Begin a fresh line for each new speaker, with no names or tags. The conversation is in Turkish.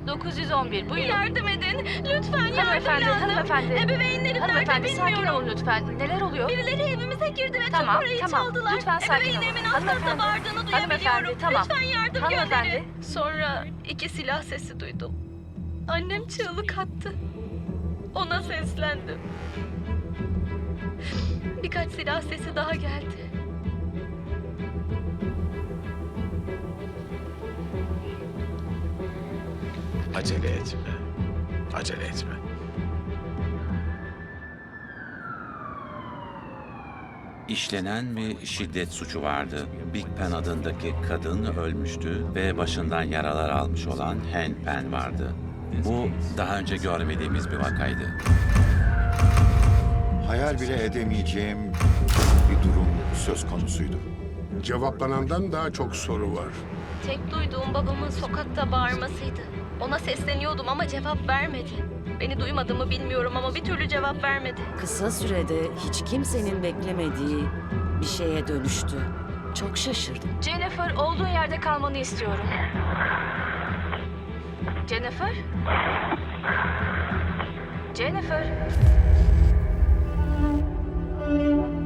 911 buyurun.
Yardım edin. Lütfen yardım
Hanımefendi,
lazım.
hanımefendi.
Ebeveynlerim nerede
Hanımefendi sakin olun
bilmiyorum.
lütfen. Neler oluyor?
Birileri evimize girdi ve
Tamam,
tüm parayı
tamam.
çaldılar.
Lütfen sakin olun.
Ebeveynlerimin az hızla
Hanımefendi,
bağırdığını
hanımefendi,
duyabiliyorum.
tamam.
Lütfen yardım
Hanımefendi.
gönderin. Sonra 2 silah sesi duydum. Annem çığlık attı. Ona seslendim. Birkaç silah sesi daha geldi.
Acele etme. Acele etme.
İşlenen bir şiddet suçu vardı. Big Pen adındaki kadın ölmüştü ve başından yaralar almış olan Hen Pen vardı. Bu daha önce görmediğimiz bir vakaydı.
Hayal bile edemeyeceğim bir durum söz konusuydu.
Cevaplanandan daha çok soru var.
Tek duyduğum babamın sokakta bağırmasıydı. Ona sesleniyordum ama cevap vermedi. Beni duymadığımı bilmiyorum ama bir türlü cevap vermedi.
Kısa sürede hiç kimsenin beklemediği bir şeye dönüştü. Çok şaşırdım.
Jennifer olduğun yerde kalmanı istiyorum. Jennifer? Jennifer?